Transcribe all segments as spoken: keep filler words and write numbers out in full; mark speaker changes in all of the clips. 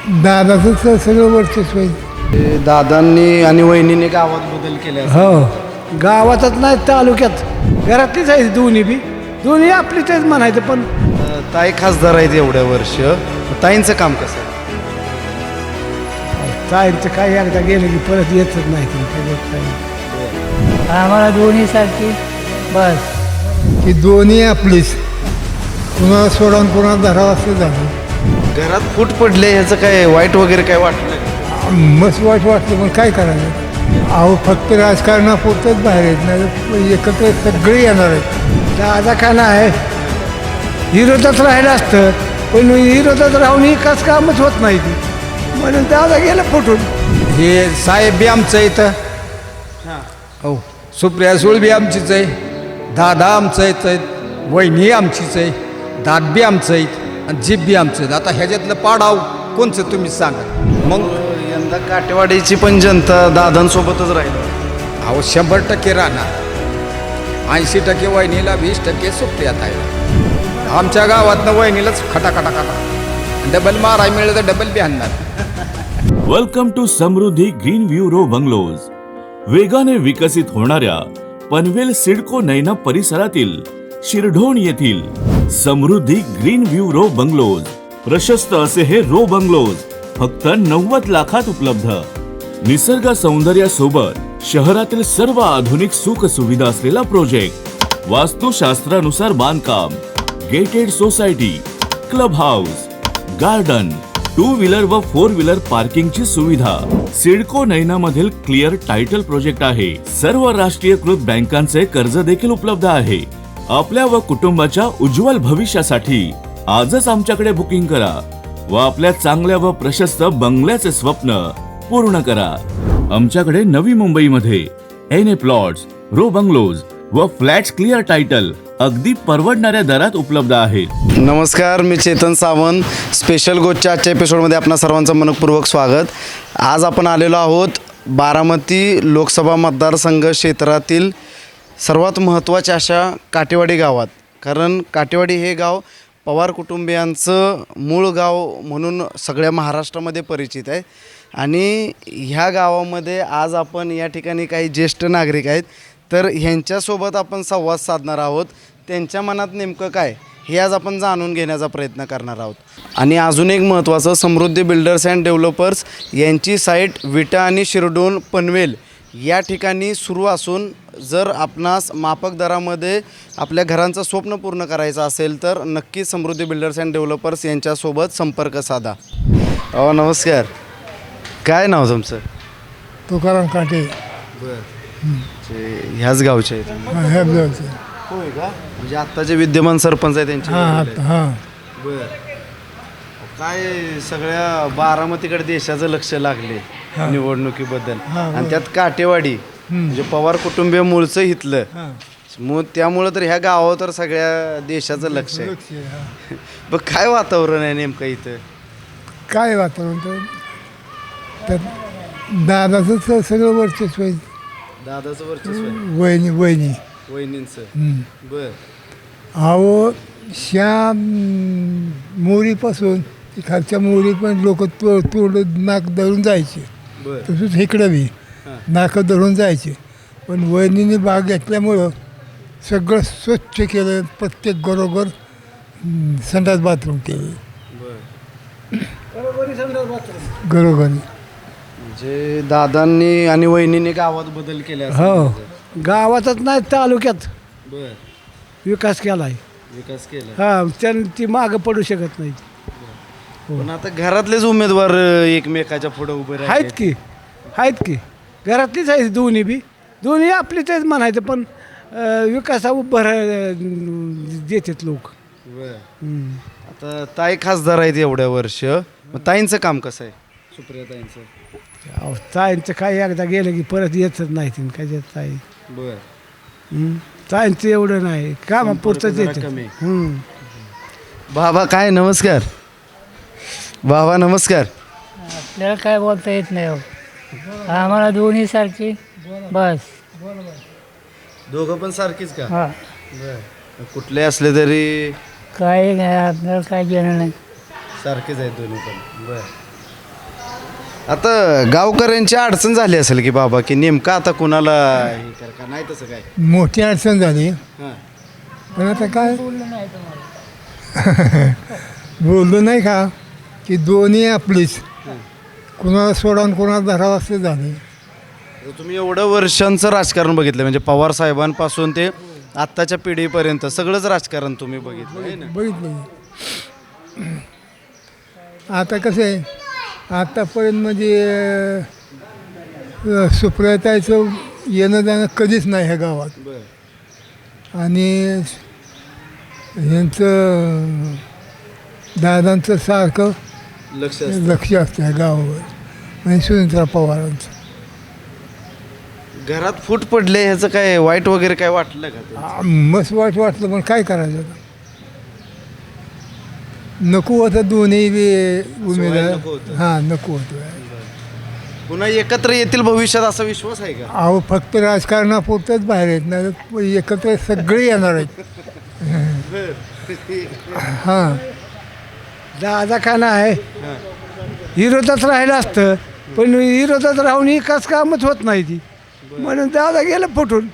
Speaker 1: दादाचं स- सगळं वर्चस्व आहे.
Speaker 2: ते दादांनी आणि वहिनीने गावात बदल केले असेल.
Speaker 1: हो गावातच नाही तालुक्यात घरातलीच आहे दोन्ही बी दोन्ही आपलीच आहेत म्हणायचं पण
Speaker 2: अ, ताई खासदार आहेत एवढ्या वर्ष. ताईंचं काम कसं आहे?
Speaker 1: ताईंचं काय एकदा गेलं की परत येतच नाही ते त्याच्यात काही.
Speaker 3: आम्हाला दोन्हीसारखी बस
Speaker 1: की दोन्ही आपलीच कुणाला सोडून कुणाला धरावं असं झालं.
Speaker 2: घरात फूट पडले ह्याचं काय वाईट वगैरे काय वाटलं का?
Speaker 1: मस्त वाईट वाटलं पण काय करायचं अहो फक्त राजकारणापुरतंच बाहेर येत नाही एकत्र सगळे येणार आहेत. दादा का नाही विरोधात राहिलं असतं पण विरोधात राहून ही काच कामच होत नाही ती म्हणून दादा गेलं फुटून.
Speaker 4: हे साहेब बी आमचं इथं हो सुप्रिया सुळ बी आमचीच आहे दादा आमचं आहेत वहिनी आमचीच आहे दात बी आमचं आहेत आणि जीप बी आमचं आहेत. आता ह्याच्यातलं पाडाव कोणचं तुम्ही सांगा मग.
Speaker 2: यंदा काटेवाडीची पण जनता दादांसोबतच राहील.
Speaker 4: अहो शंभर टक्के राहणार ऐंशी टक्के वहिनीला वीस टक्के सुप्रियात आहे. आमच्या गावातनं वहिनीलाच खटा खटा खटा डबल माराय मिळलं तर डबल बी आणणार.
Speaker 5: Welcome to Samruddhi green view row bungalows. वेगाने विकसित होणाऱ्या पनवेल सिडको नैना परिसरातील शिरढोण येथील Samruddhi green view row bungalows. प्रशस्त असे हे रो बंगलोज फक्त नव्वद लाखात उपलब्ध. निसर्ग सौंदर्यासोबत शहरातील सर्व आधुनिक सुख सुविधा असलेला प्रोजेक्ट. वास्तुशास्त्रानुसार बांधकाम, gated society, club house, garden, two wheeler व फोर व्हीलर पार्किंगची सुविधा. सिडको नैना मधील क्लिअर टायटल प्रोजेक्ट आहे. सर्व राष्ट्रीयकृत बँकांचे कर्ज देखील उपलब्ध आहे. आपल्या व कुटुंबाच्या उज्ज्वल भविष्यासाठी आजच आमच्याकडे बुकिंग करा व आपल्या चांगल्या व प्रशस्त बंगल्याचे स्वप्न पूर्ण करा. आमच्याकडे नवी मुंबईमध्ये N A plots, row bungalows व फ्लॅट्स क्लिअर टायटल अगदी परवडणाऱ्या दरात उपलब्ध आहेत.
Speaker 2: नमस्कार, मी चेतन सावंत. स्पेशल गोष्टच्या आजच्या एपिसोडमध्ये आपणा सर्वांचं मनपूर्वक स्वागत. आज आपण आलेलो आहोत बारामती लोकसभा मतदारसंघ क्षेत्रातील सर्वात महत्त्वाच्या अशा काटेवाडी गावात. कारण काटेवाडी हे गाव पवार कुटुंबियांचं मूळ गाव म्हणून सगळ्या महाराष्ट्रामध्ये परिचित आहे. आणि ह्या गावामध्ये आज आपण या ठिकाणी काही ज्येष्ठ नागरिक आहेत तर ह्यांच्यासोबत आपण संवाद साधणार आहोत. त्यांच्या मनात नेमकं काय हे आज आपण जाणून घेण्याचा प्रयत्न करणार आहोत. आणि अजून एक महत्त्वाचं, समृद्धी बिल्डर्स अँड डेव्हलपर्स यांची साईट विटा आणि शिरडोण पनवेल या ठिकाणी सुरू असून जर आपणास माफक दरामध्ये आपल्या घरांचं स्वप्न पूर्ण करायचं असेल तर नक्की समृद्धी बिल्डर्स अँड डेव्हलपर्स यांच्यासोबत संपर्क साधा. अहो नमस्कार, काय नाव तुमचं?
Speaker 1: तुकाराम काटे.
Speaker 2: बरं, ह्याच गावचे आहेत?
Speaker 1: हां ह्या गावचं.
Speaker 2: होय का? म्हणजे आत्ताचे विद्यमान सरपंच आहे त्यांचे?
Speaker 1: हां हां हां
Speaker 2: बरं. काय सगळ्या बारामतीकडे देशाचं लक्ष लागले निवडणुकीबद्दल.
Speaker 1: हां,
Speaker 2: आणि त्यात काटेवाडी म्हणजे पवार कुटुंबीय मूळचं इथलं.
Speaker 1: हां
Speaker 2: मग त्यामुळं तर ह्या गावावर तर सगळ्या देशाचं लक्ष आहे.
Speaker 1: लक्ष आहे, हां.
Speaker 2: बघ काय वातावरण आहे नेमकं इथं?
Speaker 1: काय वातावरण तर तर दादाचं स- सगळं वर्चस्व आहे.
Speaker 2: दादाचं वर्चस्व आहे,
Speaker 1: वहिनी वहिनी
Speaker 2: वहिनींचं.
Speaker 1: हं.
Speaker 2: बर
Speaker 1: अहो श्या मोरीपासून ती खालच्या मोरी पण लोक तो तोड नाक धरून जायचे.
Speaker 2: बर
Speaker 1: तसंच इकडं बी नाकं धरून जायचे. पण वहिनीने बाग घेतल्यामुळं सगळं स्वच्छ केलं. प्रत्येक घरोघर हं, संडास बाथरूम केले
Speaker 2: बर
Speaker 1: घरोघरी.
Speaker 2: म्हणजे दादांनी आणि वहिनीने गावात बदल केले असेल.
Speaker 1: हो गावातच नाही तालुक्यात
Speaker 2: बर
Speaker 1: विकास केला आहे.
Speaker 2: विकास केला.
Speaker 1: हा त्यांनी ती मागं पडू शकत नाही.
Speaker 2: पण आता घरातलेच उमेदवार अ, एकमेकाच्या पुढे उभे
Speaker 1: आहेत
Speaker 2: राहिले.
Speaker 1: की आहेत की घरातलीच आहेत दोन्ही बी दोन्ही आपलीच आहेत म्हणायचं पण अं, विकासा उभं देतात लोक.
Speaker 2: बर. आता ताई खासदार आहेत एवढ्या वर्ष. मग ताईंचं काम कसं आहे? सुप्रिया ताईंचं.
Speaker 1: ताईंचं काय एकदा गेलं की परत येतच नाही तीन काय ताई.
Speaker 2: बर.
Speaker 1: हं. ताईंचं एवढं नाही कामापुरतंच
Speaker 2: जरा
Speaker 1: येतं.
Speaker 2: कमी.
Speaker 1: हं.
Speaker 2: बाबा काय नमस्कार. बाबा नमस्कार.
Speaker 3: आपल्याला काय बोलता येत नाही हो. आम्हाला दोन्हीसारखी बस
Speaker 2: दोघं पण सारखीच का?
Speaker 3: हां
Speaker 2: बर. कुठले असले तरी
Speaker 3: काही नाही आपल्याला काय घेणं नाही.
Speaker 2: सारखेच आहेत दोन्ही पण. बर. आता गावकऱ्यांची अडचण झाली असेल की बाबा की नेमकं आता कुणाला हे कर का नाही तसं काय
Speaker 1: मोठी अडचण झाली
Speaker 2: हां
Speaker 1: पण आता काय
Speaker 3: बोललं नाही तुम्हाला
Speaker 1: बोललो नाही का की दोन्ही आपलीच कुणाला सोडा आणि कुणाला धरावं असं झाले
Speaker 2: तर तुम्ही एवढं वर्षांचं राजकारण बघितलं म्हणजे पवार साहेबांपासून ते आत्ताच्या पिढीपर्यंत सगळंच राजकारण तुम्ही बघितलं आहे ना
Speaker 1: बघितलं आता कसं आहे आतापर्यंत म्हणजे अं, सुप्रियाताईचं येणं जाणं कधीच नाही ह्या गावात
Speaker 2: बरं
Speaker 1: आणि ह्यांचं दादांचं सारखं
Speaker 2: लक्ष असतं.
Speaker 1: लक्ष असतं ह्या गावावर आणि सुनीत्रा पवारांचं
Speaker 2: घरात फूट पडले ह्याचं काय वाईट वगैरे काय वाटलं का ते?
Speaker 1: आ, मस्त वाईट वाटलं पण काय करायचं आता? नको होतं दोन्ही बी
Speaker 2: नको
Speaker 1: उमेदवार
Speaker 2: होतं.
Speaker 1: हां नको होतं
Speaker 2: पुन्हा एकत्र येतील भविष्यात असा विश्वास आहे का
Speaker 1: अहो फक्त राजकारणापुरतंच बाहेर येत नाही एकत्र सगळे येणार आहेत हां दादा का आहे विरोधात राहिलं असतं पण विरोधात राहून एकाच कामच होत नाही ती म्हणून दादा गेलं फुटून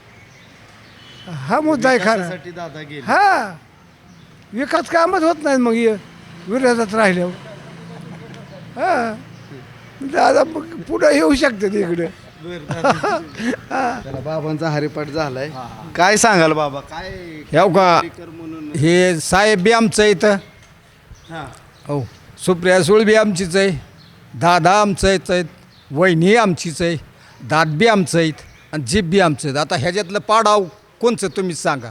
Speaker 1: हा मुद्दा आहे खरा
Speaker 2: त्यासाठी दादा गेले
Speaker 1: हा विकास कामच होत नाही मग हे विरोधात राहिल्यावर हा दादा मग पुढं येऊ शकतात इकडे
Speaker 2: त्याला बाबांचा हरिपाठ झालाय काय सांगाल बाबा काय
Speaker 4: ह्याव का
Speaker 2: कर म्हणून
Speaker 4: हे साहेब बी आमचं इथं
Speaker 2: हां
Speaker 4: हो सुप्रिया सुळ बी आमचीच आहे दादा आमचंच आहेत वहिनी आमचीच आहे दात बी आमचं आहेत आणि जीप बी आमचं आहेत आता ह्याच्यातलं पाडाव कोणचं तुम्हीच सांगा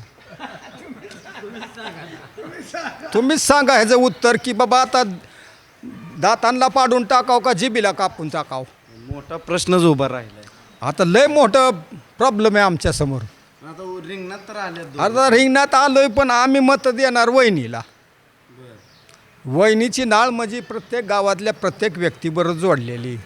Speaker 4: तुम्हीच सांगा ह्याचं उत्तर की बाबा आता दातांना पाडून टाकाव का जिबीला कापून टाकाव
Speaker 2: मोठा प्रश्नच उभा राहिलाय
Speaker 4: आता लय मोठं प्रॉब्लेम आहे आमच्यासमोर
Speaker 2: आता रिंगणात तर आले
Speaker 4: आता रिंगणात आलोय पण आम्ही मत देणार वहिनीला वहिनीची नाळ म्हणजे प्रत्येक गावातल्या प्रत्येक व्यक्तीबरोबर जोडलेली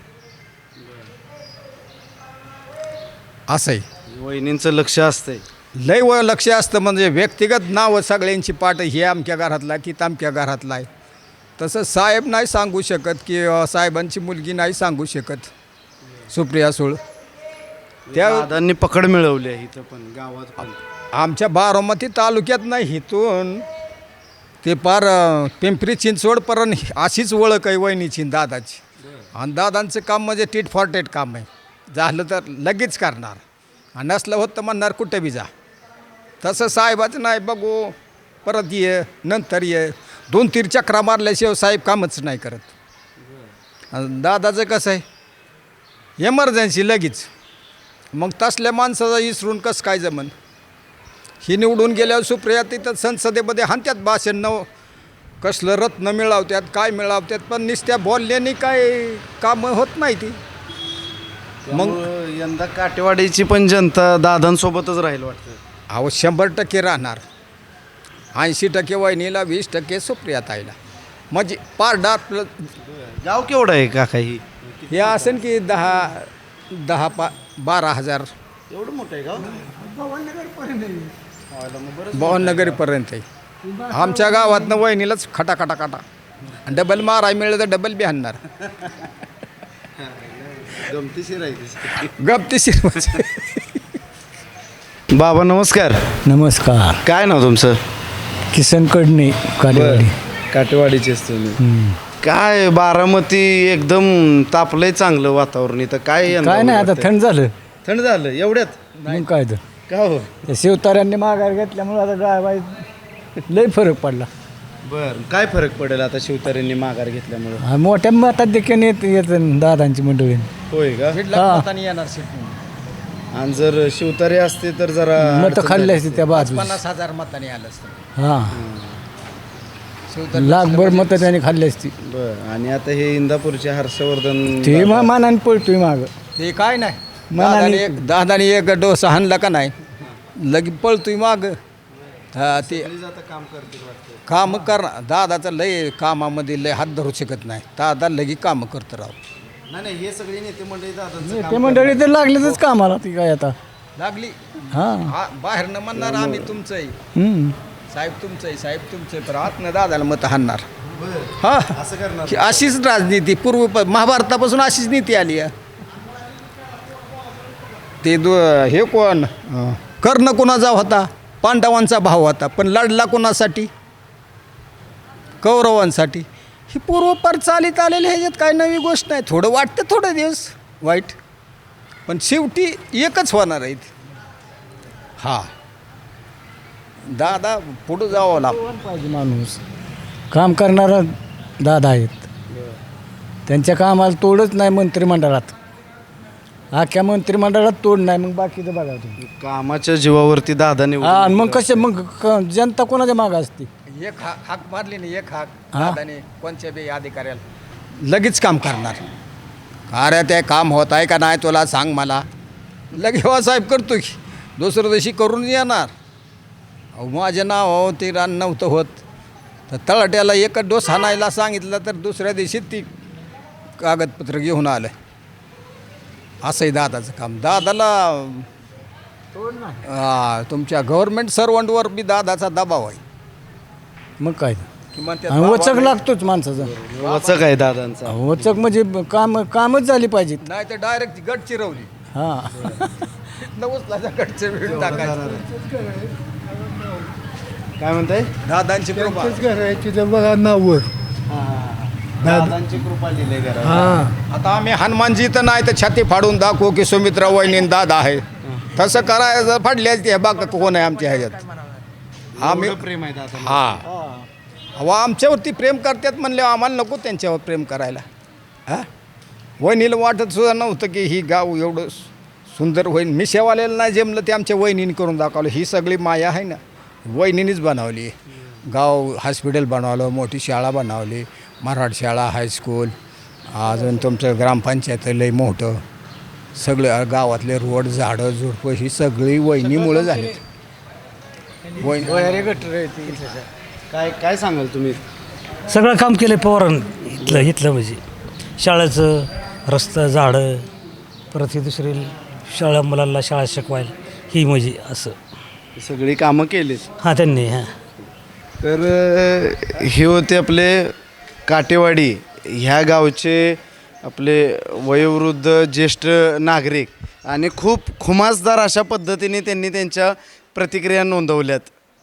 Speaker 4: असं आहे
Speaker 2: वहिनींचं लक्ष असतंय
Speaker 4: लय व लक्ष असतं म्हणजे व्यक्तिगत नावं सगळ्यांची पाठ हे अमक्या घरातला की तामक्या घरातला आहे तसं साहेब नाही सांगू शकत की अ, साहेबांची मुलगी नाही सांगू शकत सुप्रिया सुळ त्या
Speaker 2: दादांनी पकड मिळवली आहे इथं पण गावात पण
Speaker 4: आमच्या बारामती तालुक्यात नाही इथून ते पार अ, पिंपरी चिंचवडपर्यंत अशीच ओळख आहे वहिनीची आणि दादाची आणि दादांचं काम म्हणजे टीट फॉर टेट काम आहे झालं तर लगेच करणार आणि नसलं होत तर म्हणणार कुठे बी जा तसं साहेबाचं नाही बघू परत ये नंतर ये दोन तीन चक्रा मारल्याशिवाय साहेब कामच नाही करत आणि दादाचं कसं आहे एमर्जन्सी लगेच मग तसल्या माणसाचा इसरून कसं काय जमन ही निवडून गेल्यावर सुप्रिया तिथं संसदेमध्ये हाणत्यात भाषण नव कसलं रत्न मिळवत्यात काय मिळवत्यात पण नुसत्या बोलल्याने काय कामं होत नाही ती
Speaker 2: मग यंदा काटेवाडीची पण जनता दादांसोबतच राहील वाटतं
Speaker 4: अहो शंभर टक्के राहणार ऐंशी टक्के वहिनीला वीस टक्के सुप्रिया ताईला म्हणजे पार डार्क
Speaker 2: गाव केवढं आहे काका ही
Speaker 4: हे असेल की दहा दहा पा बारा हजार
Speaker 2: एवढं मोठं आहे गाव
Speaker 4: बावनगरीपर्यंत आहे आमच्या गावातनं वहिनीलाच खटा खटा खटा डबल माराय मिळलं तर डबल बी आणणार
Speaker 2: गमतीशीर आहे
Speaker 4: गप्तीशीर
Speaker 2: बाबा नमस्कार
Speaker 6: नमस्कार
Speaker 2: काय नाव तुमचं
Speaker 6: किसन कडणे कालेवाडी
Speaker 2: काटेवाडीचेच तुम्ही काय बारामती एकदम तापलंय चांगलं वातावरण इथं काय यंदा
Speaker 6: काय नाही आता
Speaker 2: वाटतंय?
Speaker 6: थंड झालं
Speaker 2: थंड झालं एवढ्यात
Speaker 6: मग काय तर
Speaker 2: का हो
Speaker 6: त्या शिवतार्यांनी माघार घेतल्यामुळे आता गायबाई लय फरक पडला
Speaker 2: बर काय फरक पडेल आता शिवतारेंनी माघार घेतल्यामुळे
Speaker 6: हा, मोठ्या मतात देखील येत येत दादांची मंडळी
Speaker 2: होय का
Speaker 6: हा.
Speaker 4: येणार
Speaker 2: आणि जर शिवतारे असते तर जरा
Speaker 6: मत
Speaker 2: अडचण
Speaker 6: खाल्ली
Speaker 2: झाली
Speaker 6: असते त्या बाजूस
Speaker 4: पन्नास हजार मतांनी आलं असतं
Speaker 6: हा लाखभर मतं त्यांनी खाल्ली असती
Speaker 2: बर आणि आता हे इंदापूरचे हर्षवर्धन
Speaker 6: ते
Speaker 2: दादा-
Speaker 6: मग मानाने पळतोय माग
Speaker 4: ते काय नाही
Speaker 6: मनाने-
Speaker 4: दादाने एक दादाने एक डोसा हाणला का नाही लगे पळतोय माग हा ते
Speaker 2: सगळीच आता काम करतील वाटतं
Speaker 4: काम कर दादाचं लय कामामध्ये लय हात धरू शकत नाही दादा लगी कामं करतं राव
Speaker 2: नाही नाही हे सगळे नेते मंडळी दादांचं काम
Speaker 6: ते मंडळी तर लागलेच कामाला ती काय आता
Speaker 4: लागली
Speaker 6: हा
Speaker 4: हा बाहेर न म्हणणार आम्ही तुमचं आहे
Speaker 6: हम्म.
Speaker 4: साहेब तुमचं आहे साहेब तुमचं आहे पण आतनं दादाला मत हाणणार हा
Speaker 2: असं करणार
Speaker 4: ही अशीच राजनीती पूर्व महाभारतापासून अशीच नीती आली आहे. ते दो हे कोण अं, कर्ण कोणाचा होता? पांडवांचा भाव होता, पण लढला कोणासाठी? कौरवांसाठी. ही पूर्वपार चालीत आलेली ह्याच्यात काय नवी गोष्ट नाही. थोडं वाटतं थोडे दिवस वाईट, पण शेवटी एकच होणार आहे. हा दादा पुढं जावं लागतं.
Speaker 6: पाहिजे माणूस काम करणारा दादा आहेत. त्यांच्या कामाला तोडच नाही मंत्रिमंडळात. अख्ख्या मंत्रिमंडळात तोड नाही, मग बाकीचं बघा तुम्ही.
Speaker 2: कामाच्या जीवावरती दादा
Speaker 6: हा
Speaker 2: निवडून
Speaker 6: मग कसे मग क- जनता कोणाच्या मागं असते?
Speaker 4: एक हाक हाक मारली नाही, एक हाक
Speaker 6: हा.
Speaker 4: दादाने कोणत्या बी अधिकाऱ्याला लगेच काम करणार. अरे ते काम होत आहे का नाही तुला सांग मला. लगे हो साहेब करतो की दुसऱ्या दिवशी करून येणार. अहो माझे नाव हो ते रान नव्हतं होत तर तळाट्याला एकच डोस हाणायला सांगितलं तर दुसऱ्या दिवशी ती कागदपत्र घेऊन आलं. असंही दादाचं काम. दादाला हा, तुमच्या गव्हर्नमेंट सर्वंटवर बी दादाचा दबाव आहे.
Speaker 6: मग काय
Speaker 4: किंवा त्या
Speaker 6: आणि वचक
Speaker 4: दबावाने-
Speaker 6: लागतोच माणसाचा.
Speaker 2: वाचक आहे दादांचा.
Speaker 6: वचक म्हणजे काम कामच झाली पाहिजेत.
Speaker 4: नाही तर डायरेक्ट गट चिरवली
Speaker 6: हां
Speaker 4: नवसला गटचे वेळ टाकायचं.
Speaker 2: काय म्हणताय?
Speaker 4: दादांची कृपा.
Speaker 1: त्यांचंच घर आहे तिथं बघा नाववर.
Speaker 2: दादांची कृपा लिहिली घरावर.
Speaker 1: हां
Speaker 4: आता आम्ही हनुमानजी तर नाही तर छाती फाडून दाखवू की सुमित्रा वहिनी दादा आहे. तसं करायचं फाडल्या ते बाग कोण आहे आमच्या ह्याच्यात. आम्ही
Speaker 2: एवढं प्रेम आहे दादा.
Speaker 4: हा अहो आमच्यावरती प्रेम करतात म्हणले आम्हाला नको त्यांच्यावर प्रेम करायला. हां वहिनीला वाटत सुद्धा नव्हतं की ही गाव एवढं सुंदर होईल. मी शेवालेलं नाही जमलं ते आमच्या वहिनीने करून दाखवलं. ही सगळी माया आहे ना वहिनीनेच बनवली. गाव हॉस्पिटल बनवलं, मोठी शाळा बनवली, मराठी शाळा, हायस्कूल, अजून तुमचं ग्रामपंचायत लय मोठं. सगळं गावातले रोड झाडं झुडपं ही सगळी वहिनीमुळं झाली. वहिनी
Speaker 2: काय काय सांगाल तुम्ही?
Speaker 7: सगळं काम केलं आहे पवारांनी. इथलं इथलं म्हणजे शाळेचं रस्ता झाडं, परत हे दुसरी शाळा मुलांना शाळा शिकवायला ही म्हणजे असं
Speaker 2: सगळी कामं केलीत.
Speaker 7: हां त्यांनी हां
Speaker 2: तर अ, हे होते आपले काटेवाडी ह्या गावचे आपले वयोवृद्ध ज्येष्ठ नागरिक आणि खूप खुमासदार अशा पद्धतीने त्यांनी त्यांच्या प्रतिक्रिया नोंदवल्यात.